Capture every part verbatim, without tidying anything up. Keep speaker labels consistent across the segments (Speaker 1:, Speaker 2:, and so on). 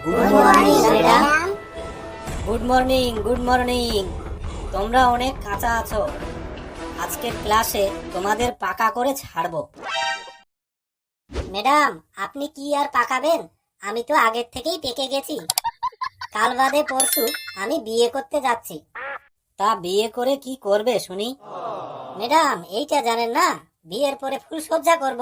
Speaker 1: Good morning madam.
Speaker 2: Good morning good morning তোমরা অনেক কাঁচা আছো। আজকের ক্লাসে তোমাদের পাকা করে ছাড়বো।
Speaker 1: ম্যাডাম আপনি কি আর পাকাবেন? আমি তো আগের থেকেই পেকে গেছি। কাল বাদে পরশু আমি বিয়ে করতে যাচ্ছি।
Speaker 2: তা বিয়ে করে কি করবে শুনি?
Speaker 1: ম্যাডাম এইটা জানেন না, বিয়ের পরে ফুলসজ্জা করব।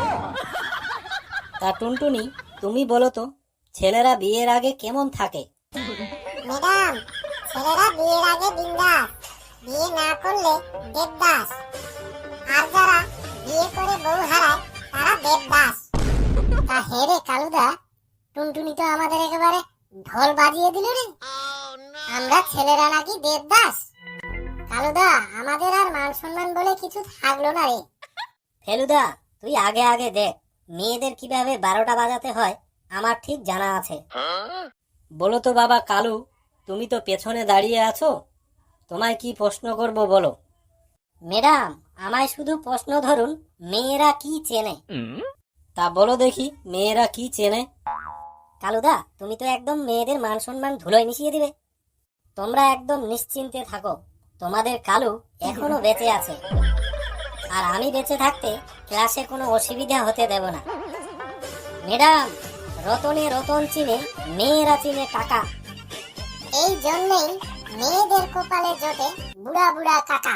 Speaker 2: তা টুনটুনি তুমি বলো তো, ছেলেরা বিয়ের আগে কেমন থাকে?
Speaker 3: ম্যাডাম ছেলেরা বিয়ের আগে বিন্দাস, বিয়ে না করলে দেবদাস, আর যারা বিয়ে করে বউ হারায় তারা দেবদাস। তা হেরে কালুদা, টুনটুনি তো আমাদের একেবারে ঢোল বাজিয়ে দিল রে। আমরা ছেলেরা নাকি দেবদাস। কালুদা আমাদের আর মান সম্মান বলে কিছু থাকলো না রে।
Speaker 1: ফেলুদা তুই আগে আগে দেখ, মেয়েদের কিভাবে বারোটা বাজাতে হয় আমার ঠিক জানা আছে।
Speaker 2: বলো তো বাবা কালু, তুমি তো পেছনে দাঁড়িয়ে আছো, তোমায় কি প্রশ্ন করব বলো।
Speaker 1: ম্যাডাম আমায় শুধু প্রশ্ন ধরুন, মেয়েরা কি চেনে?
Speaker 2: তা বলো দেখি, মেয়েরা কি চেনে?
Speaker 1: কালুদা তুমি তো একদম মেয়েদের মান সম্মান ধুলোয় মিশিয়ে দিবে। তোমরা একদম নিশ্চিন্তে থাকো, তোমাদের কালু এখনো বেঁচে আছে, আর আমি বেঁচে থাকতে ক্লাসে কোনো অসুবিধা হতে দেব না। ম্যাডাম রতনে রতন চিনে, মেয়েরা চিনে টাকা।
Speaker 3: এই জন্যই মেয়েদের কপালে জোটে বুড়া বুড়া কাকা।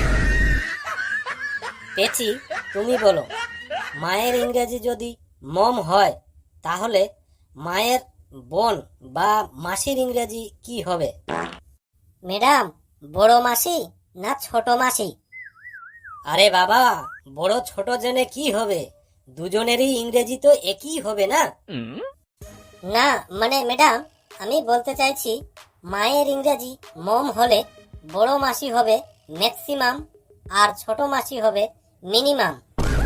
Speaker 2: পেছি তুমি বলো, মায়ের ইংরেজি যদি মম হয় তাহলে মায়ের বোন বা মাসির ইংরেজি কি হবে?
Speaker 1: ম্যাডাম বড় মাসি না ছোট মাসি?
Speaker 2: আরে বাবা, বড় ছোট জেনে কি হবে, দুজনেরই ইংরেজি তো একই হবে না?
Speaker 1: না মানে ম্যাডাম আমি বলতে চাইছি, মায়ের ইংরেজি মম হলে বড় মাসি হবে ম্যাক্সিমাম আর ছোট মাসি হবে মিনিমাম।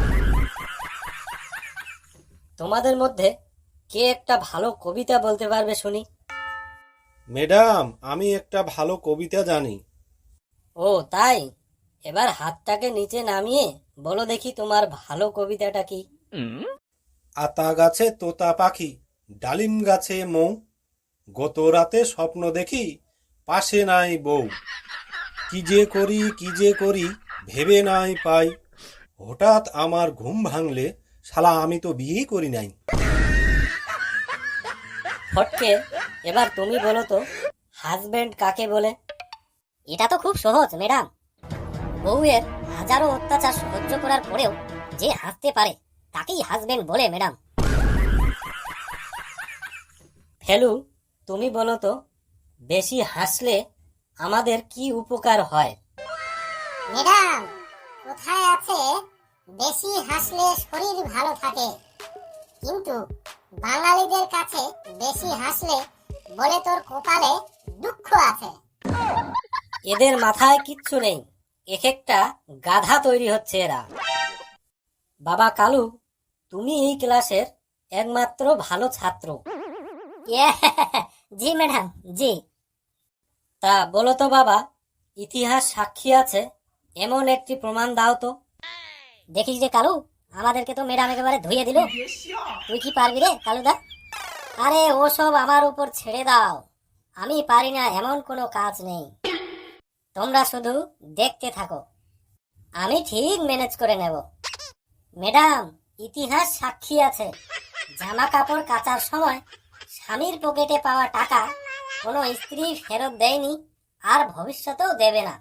Speaker 2: তোমাদের মধ্যে কে একটা ভালো কবিতা বলতে পারবে শুনি?
Speaker 4: ম্যাডাম আমি একটা ভালো কবিতা জানি।
Speaker 2: ও তাই, এবার হাতটাকে নিচে নামিয়ে বলো দেখি তোমার ভালো কবিতাটা কি।
Speaker 4: আতা গাছে তোতা পাখি, ডালিম গাছে মৌ, গত রাতে স্বপ্ন দেখি পাশে নাই বউ, কি যে করি কি যে করি ভেবে নাই পাই, হঠাৎ আমার ঘুম ভাঙলে শালা আমি তো বিয়েই করি নাই।
Speaker 2: ফটকে এবার তুমি বলো তো, হাজবেন্ড কাকে বলে?
Speaker 1: এটা তো খুব সহজ ম্যাডাম, বউয়ের হাজারো অত্যাচার সহ্য করার পরেও যে হাসতে পারে তাকেই হাজবেন্ড বলে ম্যাডাম।
Speaker 2: ফেলু তুমি বলো তো, বেশি হাসলে আমাদের কি উপকার হয়?
Speaker 3: ম্যাডাম কোথায় আছে বেশি হাসলে শরীর ভালো থাকে, কিন্তু বাঙালিদের কাছে বেশি হাসলে বলে তোর কপালে দুঃখ আছে।
Speaker 2: এদের মাথায় কিচ্ছু নেই, এক একটা গাধা তৈরি হচ্ছে এরা। বাবা কালু, তুমি এই ক্লাসের একমাত্র ভালো ছাত্র।
Speaker 1: ইয়ে, জি ম্যাডাম জি।
Speaker 2: তা বলো তো বাবা, ইতিহাস সাক্ষী আছে এমন একটি প্রমাণ দাও তো।
Speaker 1: দেখিস রে কালু, আমাদেরকে তো ম্যাডাম একেবারে ধুইয়ে দিল। তুই কি পারবি রে কালুদা? আরে ওসব আমার উপর ছেড়ে দাও, আমি পারি না এমন কোনো কাজ নেই। তোমরা শুধু দেখতে থাকো, আমি ঠিক ম্যানেজ করে নেব। ম্যাডাম ইতিহাস সাক্ষী আছে, জামা কাপড় কাচার সময় স্বামীর পকেটে পাওয়া টাকা কোনো স্ত্রী ফেরত দেয়নি, আর ভবিষ্যতেও দেবে না।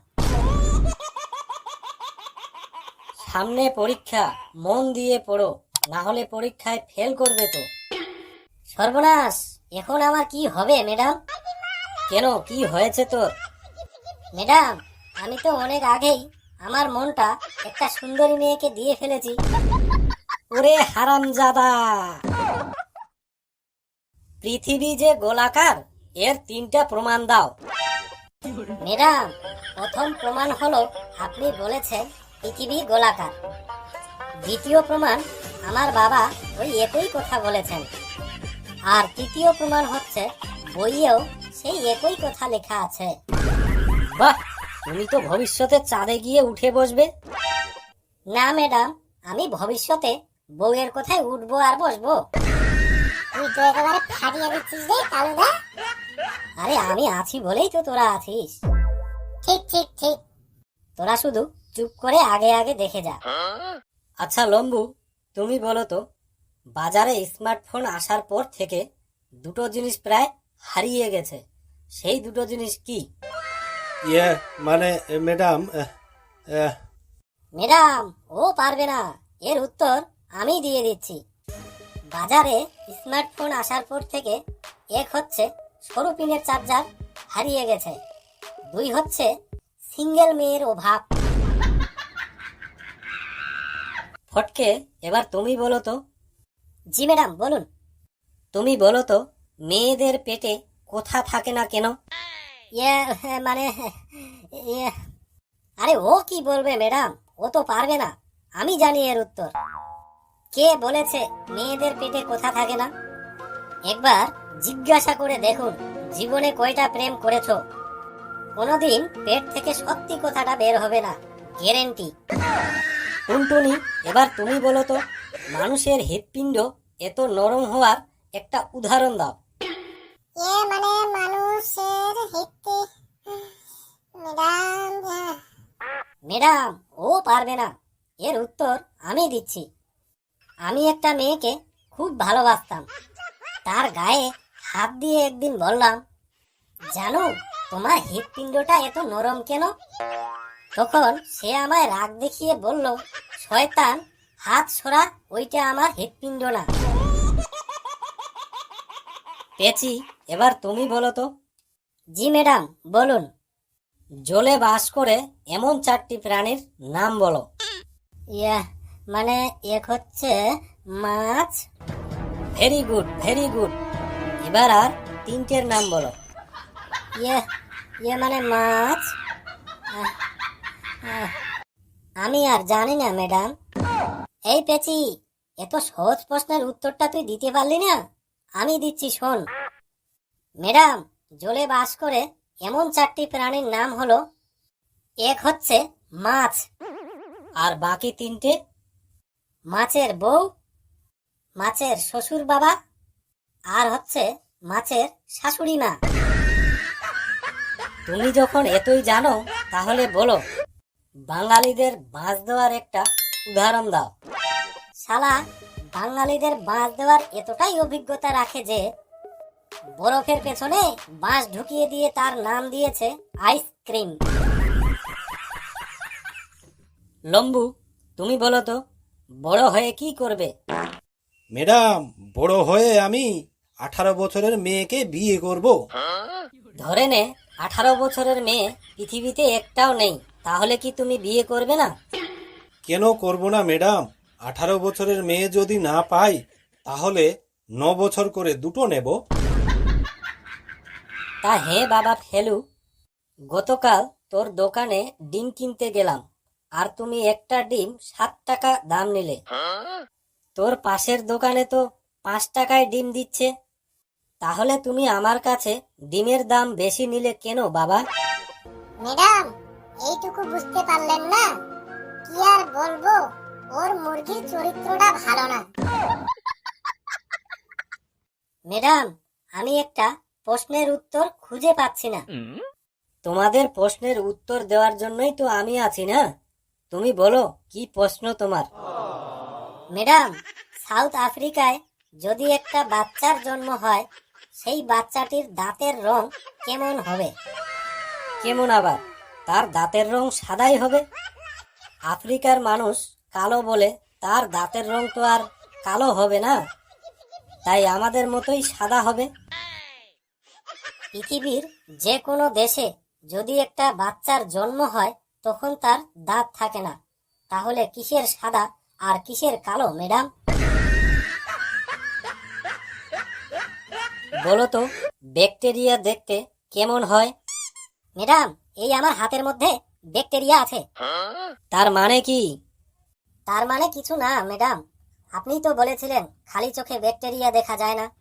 Speaker 2: সামনে পরীক্ষা, মন দিয়ে পড়ো, না হলে পরীক্ষায় ফেল করবে তো।
Speaker 1: সর্বনাশ, এখন আমার কি হবে ম্যাডাম?
Speaker 2: কেন, কি হয়েছে তোর?
Speaker 1: ম্যাডাম আমি তো অনেক আগেই আমার মনটা একটা সুন্দরী মেয়েকে দিয়ে ফেলেছি।
Speaker 2: ওরে হারামজাদা, পৃথিবী যে গোলাকার এর তিনটা প্রমাণ দাও।
Speaker 1: ম্যাডাম প্রথম প্রমাণ হলো আপনি বলেছেন পৃথিবী গোলাকার। দ্বিতীয় প্রমাণ, আমার বাবা ওই একই কথা বলেছেন। আর তৃতীয় প্রমাণ হচ্ছে বইয়েও সেই একই কথা লেখা আছে।
Speaker 2: বাহ, তুমি তো ভবিষ্যতে চাঁদে গিয়ে উঠে বসবে।
Speaker 1: না ম্যাডাম, আমি ভবিষ্যতে বউয়ের কোথায় উঠবো আর বসবো।
Speaker 3: তুই তো একেবারে ফাটিয়ে দিচ্ছিস রে কালুদা।
Speaker 1: আরে আমি আছি বলেই তো তোরা আছিস।
Speaker 3: ঠিক ঠিক ঠিক।
Speaker 1: তোরা শুধু চুপ করে আগে আগে দেখে যা।
Speaker 2: আচ্ছা লম্বু, তুমি বলো তো, বাজারে স্মার্টফোন আসার পর থেকে দুটো জিনিস প্রায় হারিয়ে গেছে, সেই দুটো জিনিস কি?
Speaker 4: ইয়ে মানে ম্যাডাম আহ, আহ,
Speaker 1: ম্যাডাম ও পারবে না, এর উত্তর আমি দিয়ে দিচ্ছি। বাজারে স্মার্টফোন আসার পর থেকে এক হচ্ছে সরু পিনের চার্জার হারিয়ে গেছে, দুই হচ্ছে সিঙ্গেল মেয়ের অভাব।
Speaker 2: ফটকে, এবার তুমি বলো তো,
Speaker 1: জি ম্যাডাম বলুন।
Speaker 2: তুমি বলো তো, মেয়েদের পেটে কোথা থাকে না কেন?
Speaker 1: ইয়ে মানে ইয়ে, আরে ও কি বলবে ম্যাডাম, ও তো পারবে না, আমি জানি এর উত্তর। কে বলেছে মেয়েদের পেটে কোথা থাকে না? একবার জিজ্ঞাসা করে দেখুন জীবনে কয়টা প্রেম করেছো। কোনোদিন পেট থেকে সত্যি কথাটা বের হবে না, গ্যারেন্টি।
Speaker 2: টুনটুনি, এবার তুমি বলো তো, মানুষের হৃৎপিণ্ড এত নরম হওয়ার একটা উদাহরণ দাও।
Speaker 3: এ মানে মানুষের হিতে ম্যাডাম আহ,
Speaker 1: ম্যাডাম ও পারবে না, এর উত্তর আমি দিচ্ছি। আমি একটা মেয়েকে খুব ভালোবাসতাম, তার গায়ে হাত দিয়ে একদিন বললাম, জানো তোমার হৃৎপিণ্ডটা এত নরম কেন? তখন সে আমায় রাগ দেখিয়ে বলল, শয়তান, হাত সরা, ওইটা আমার হৃৎপিণ্ড না।
Speaker 2: পেঁচি, এবার তুমি বলো তো,
Speaker 1: জি ম্যাডাম বলুন।
Speaker 2: জলে বাস করে এমন চারটি প্রাণীর নাম বলো।
Speaker 1: ইয়া মানে এক হচ্ছে মাছ।
Speaker 2: Very good, very good. এবার আর তিনটের নাম বলো।
Speaker 1: ইয়ে ইয়ে মানে মাছ। আহ, আহ, আমি আর জানি না ম্যাডাম। এই পেচি, এত সহজ প্রশ্নের উত্তরটা তুই দিতে পারলি না, আমি দিচ্ছি শোন। ম্যাডাম, জলে বাস করে এমন চারটি প্রাণীর নাম হলো, এক হচ্ছে মাছ,
Speaker 2: আর বাকি তিনটে?
Speaker 1: মাছের বউ, মাছের শ্বশুর বাবা, আর হচ্ছে মাছের শাশুড়ি মা।
Speaker 2: তুমি যখন এতই জানো, তাহলে বলো, বাঙালিদের বাঁশ দেওয়ার একটা উদাহরণ দাও।
Speaker 1: শালা, বাঙালিদের বাঁশ দেওয়ার এতটাই অভিজ্ঞতা রাখে যে বরফের পেছনে বাঁশ ঢুকিয়ে দিয়ে তার নাম দিয়েছে আইসক্রিম।
Speaker 2: লম্বু, তুমি বলো তো, বড় হয়ে কি করবে?
Speaker 4: ম্যাডাম বড় হয়ে আমি আঠারো বছরের মেয়েকে বিয়ে করব।
Speaker 2: ধরে নে আঠারো বছরের মেয়ে পৃথিবীতে একটাও নেই, তাহলে কি তুমি বিয়ে করবে না?
Speaker 4: কেন করব না ম্যাডাম, আঠারো বছরের মেয়ে যদি না পাই তাহলে ন বছর করে দুটো নেব।
Speaker 2: তা হে বাবা ফেলু, গতকাল তোর দোকানে ডিম কিনতে গেলাম, আর তুমি একটা ডিম সাত টাকা দাম নিলে। তোর পাশের দোকানে তো পাঁচ টাকায় ডিম দিচ্ছে, তাহলে তুমি আমার কাছে ডিমের দাম বেশি নিলে কেন বাবা?
Speaker 3: ম্যাডাম এইটুকু বুঝতে পারলেন না? কি আর বলবো, ওর মুরগির চরিত্রটা ভালো না।
Speaker 1: ম্যাডাম, আমি একটা প্রশ্নের উত্তর খুঁজে পাচ্ছি না।
Speaker 2: তোমাদের প্রশ্নের উত্তর দেওয়ার জন্যই তো আমি আছি না। তুমি বলো, কি প্রশ্ন তোমার?
Speaker 1: ম্যাডাম, সাউথ আফ্রিকায় যদি একটা বাচ্চার জন্ম হয়, সেই বাচ্চাটির দাঁতের রং কেমন হবে?
Speaker 2: কেমন আবার? তার দাঁতের রং সাদাই হবে। আফ্রিকার মানুষ কালো বলে তার দাঁতের রং তো আর কালো হবে না, তাই আমাদের মতোই সাদা হবে।
Speaker 1: পৃথিবীর যে কোনো দেশে যদি একটা বাচ্চার জন্ম হয়, তখন তার দাঁত থাকে না, তাহলে কিসের সাদা আর কিসের কালো ম্যাডাম?
Speaker 2: বলো তো, ব্যাকটেরিয়া দেখতে কেমন হয়?
Speaker 1: ম্যাডাম, এই আমার হাতের মধ্যে ব্যাকটেরিয়া আছে।
Speaker 2: তার মানে কি?
Speaker 1: তার মানে কিছু না ম্যাডাম, আপনি তো বলেছিলেন খালি চোখে ব্যাকটেরিয়া দেখা যায় না।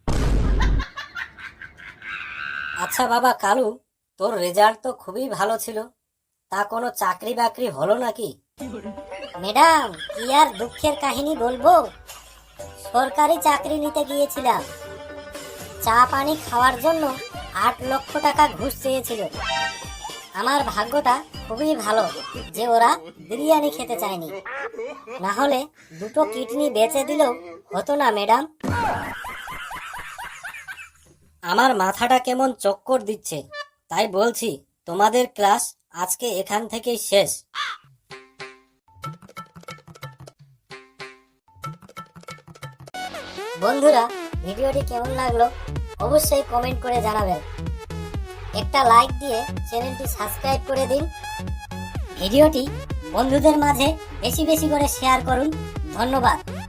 Speaker 2: আচ্ছা বাবা কালু, তোর রেজাল্ট তো খুবই ভালো ছিল, তা কোনো চাকরি বাকরি হলো নাকি?
Speaker 1: ম্যাডাম, কি আর দুঃখের কাহিনী বলবো, সরকারি চাকরি নিতে গিয়েছিলাম, চা পানি খাওয়ার জন্য আট লক্ষ টাকা ঘুষ চেয়েছিল। আমার ভাগ্যটা খুবই ভালো যে ওরা বিরিয়ানি খেতে চায়নি, না হলে দুটো কিডনি বেচে দিলেও হতো না ম্যাডাম।
Speaker 2: আমার মাথাটা কেমন চক্কর দিচ্ছে, তাই বলছি তোমাদের ক্লাস আজকে এখান থেকেই শেষ।
Speaker 1: বন্ধুরা, ভিডিওটি কেমন লাগলো অবশ্যই কমেন্ট করে জানাবেন। একটা লাইক দিয়ে চ্যানেলটি সাবস্ক্রাইব করে দিন। ভিডিওটি বন্ধুদের মাঝে বেশি বেশি করে শেয়ার করুন। ধন্যবাদ।